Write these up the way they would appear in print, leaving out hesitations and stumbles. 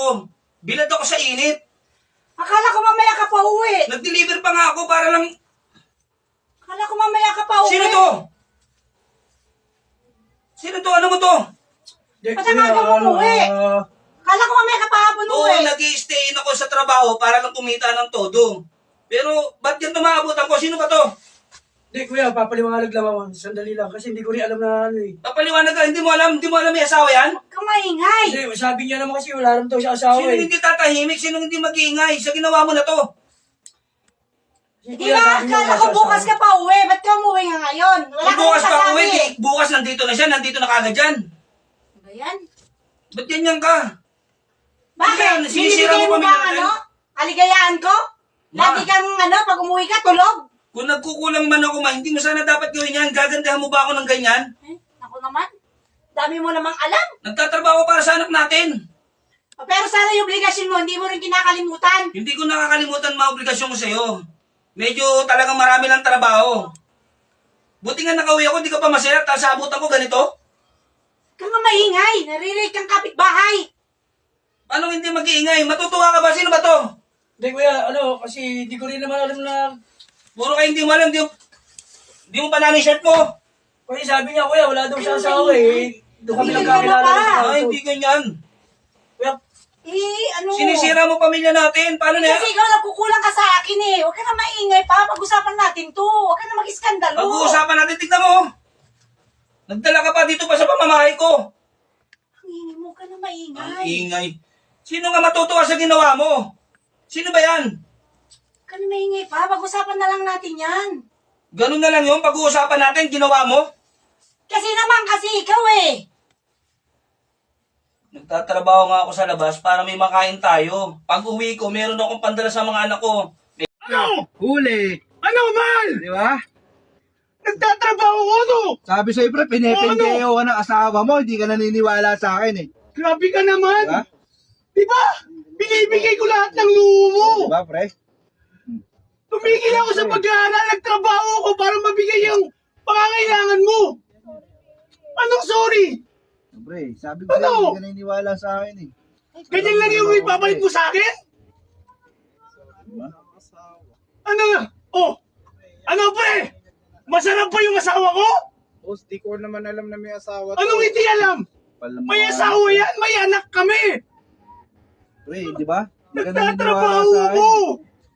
ako. Bilad ako sa init. Akala ko mamaya ka pa uwi. Nag-deliver pa nga ako para lang... Akala ko mamaya ka pa uwi. Sino to? Sino to? Ano mo to? Ba't ang aga mo umuwi? Akala ko mamaya ka pa hapon Oo, uwi. nag-i-stay in ako sa trabaho para lang kumita ng todo. Pero, ba't yan tumaabutan ko? Sino ba to? Hindi kuya, papaliwanag lang ako. Sandali lang kasi hindi ko rin alam na ano eh. Papaliwanag ka, hindi mo alam may asawa yan? Huwag kang maingay. Hindi, sabi niya naman kasi wala rin daw siya asawa Sino eh. hindi tatahimik? Sino hindi mag-iingay? Sa ginawa mo na to? Di ba, akala ko bukas ka pa uwi. Ba't ka umuwi nga ngayon? Wala Kung ka bukas rin pa sasabi. uwi, bukas nandito na siya, nandito na kagad dyan. Ano ba yan? Ba't ganyan ka? Bakit? Yan, sinisira Binibigay mo mo pamilya ba natin? ano? Aligayaan ko? Ma. Lagi kang pag umuwi ka, tulog? Kung nagkukulang man ako, hindi mo sana dapat gawin yan. Gagandahan mo ba ako ng ganyan? Ako naman. Dami mo namang alam. Nagtatrabaho para sa anak natin. Pero sana yung obligasyon mo, hindi mo rin kinakalimutan. Hindi ko nakakalimutan mga obligasyon ko sa'yo. Medyo talagang marami lang trabaho. Buti nga nakauwi ako, hindi ka pa masaya, tapos abutan ko ganito. Kang maingay, naririnig kang kapitbahay. Anong hindi mag-iingay? Matutuwa ka ba? Sino ba to? Hindi kuya, ano, kasi hindi ko rin naman alam na... Puro kayo hindi mo alam, hindi mo panalo yung shirt mo. Kasi sabi niya kuya, wala daw siya asawa eh. Doon kami Hindi nagkakilala ka sa Ay, hindi ganyan. Kuya, Ano? Sinisira mo pamilya natin. Paano na yan? Kasi ikaw nagkukulang ka sa akin eh. Huwag ka na maingay pa. Pag-usapan natin to. Huwag ka na mag-iskandalo. Pag-uusapan natin, tignan mo. Nagdala ka pa dito pa sa pamamahay ko. Ang ingay mo, huwag ka na Ang maingay. ingay. Sino nga matutuwa sa ginawa mo? Sino ba yan? Huwag ka na maingay pa. Pag-usapan na lang natin yan. Ganun na lang yung pag-uusapan natin, ginawa mo? Kasi naman kasi ikaw eh. Nagtatrabaho nga ako sa labas para may makain tayo. Pag uwi ko, meron akong pandala sa mga anak ko. Ano? Huli. Ano man? Di ba? Nagtatrabaho ko, no? Sabi sa'yo, pre, pinipindeyo ka ng asawa mo, hindi ka naniniwala sa akin eh. Grabe ka naman. Diba? Diba? Binibigay ko lahat ng luho mo. Diba, pre? Tumigil ako sa pag-aaral. Nagtrabaho ko para mabigay yung pangangailangan mo. Anong sorry? Pre, sabi ko sa'yo, Ano? hindi ka naniniwala sa akin eh. Ganyan lang yung ipapalit mo sa akin? Ano? Oh, ano pre? Masarap pa yung asawa ko? Boss, di ko naman alam na may asawa to. Anong hindi alam? May asawa yan, may anak kami. Pre, di ba? Hindi ka naniniwala Nagtatrabaho sa akin ko. eh.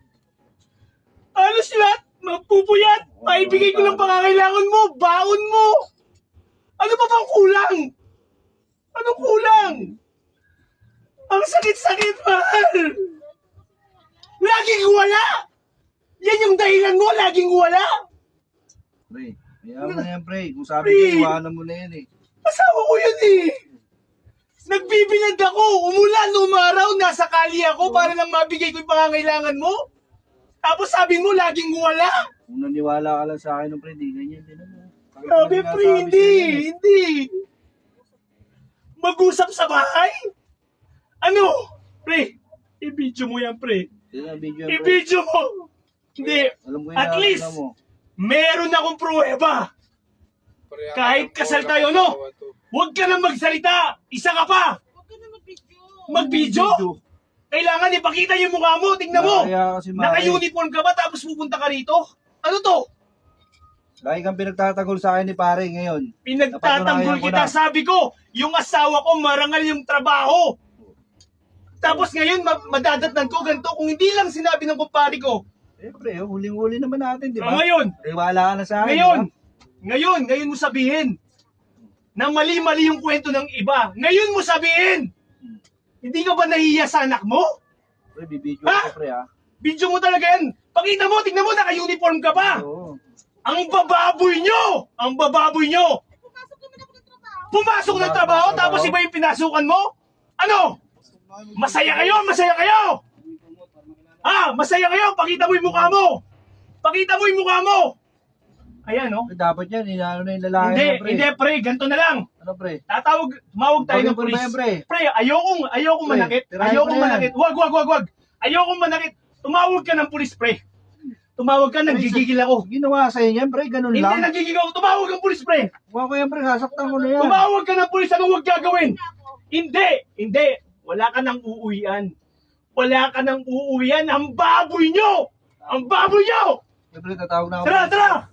Alos lahat, mapupuyat. Maibigay ko ng pangangailangan mo, baon mo. Ano pa bang kulang? Anong kulang? Ang sakit-sakit, mahal. Laging wala. Yan yung dahilan mo, laging wala. Pre, kaya mo na yan, pre. Kung sabi Pre. ko, iwanan mo na yan eh. Asawa ko yun eh. Nagbibilad ako, umulan, umaraw, nasa kali ako para lang mabigay ko yung pangangailangan mo. Tapos sabi mo, laging wala. Kung naniwala ka lang sa akin, pre, di ganyan din ano. Grabe, pre, hindi. Mag-usap sa bahay? Ano? Pre, i-video mo yan, pre. Hindi na video yan, pre. I-video mo. Hindi. Alam ko yung At least, nakakita mo. meron akong pruweba. Pareha Kahit ka kasal po, tayo, walang no? asawa to. Huwag ka na magsalita. Isa ka pa. Mag-video? Kailangan ipakita yung mukha mo. Tingnan mo. Kaya kasi Naka-uniform ka ba tapos pupunta ka rito? Ano to? Lagi kang pinagtatagol sa akin ni pare ngayon. Pinagtatanggol Napatunayan ko kita. na. Sabi ko, yung asawa ko marangal yung trabaho. Tapos ngayon, madadatnan ko ganito. Kung hindi lang sinabi ng kumpare ko. Eh, pre, huling-huli naman natin, di ba? Ngayon, Tiwala ka na sa akin, ngayon, di ba? ngayon mo sabihin na mali-mali yung kwento ng iba. Ngayon mo sabihin, hindi ka ba nahiya sa anak mo? Pre, bibidyo Ha? ako, pre, ha? Video mo talaga yan. Pakita mo, tingnan mo, naka-uniform ka pa. Oo. Ang bababoy nyo! Ang bababoy nyo! Pumasok ng trabaho tapos iba yung pinasukan mo? Ano? Masaya kayo! Masaya kayo! Masaya kayo! Pakita mo yung mukha mo! Pakita mo yung mukha mo! Ayan, no? Eh, dapat yan, inano na yung lalaki Hindi, na, pre. hindi, pre. Ganito na lang. Ano, pre? Tumawag tayo ng Bakit polis. ba yan, pre? Pre, ayokong Pre, manakit. tirahin Ayokong ko na yan. manakit. Wag. Ayokong manakit. Tumawag ka ng polis, pre. Tumawag ka, nanggigigil ako. Ginawa sa'yo yan, pre, ganun Hindi, lang. nanggigigil ako. Tumawag ang polis, pre. Huwag ko yan, pre, sasaktan ko na yan. Tumawag ka ng polis, anong huwag gagawin? Hindi. Wala ka nang uuwian. Wala ka nang uuwian. Ang baboy nyo! Ang baboy nyo! Siyempre, tatawag na ako. Tara, tara!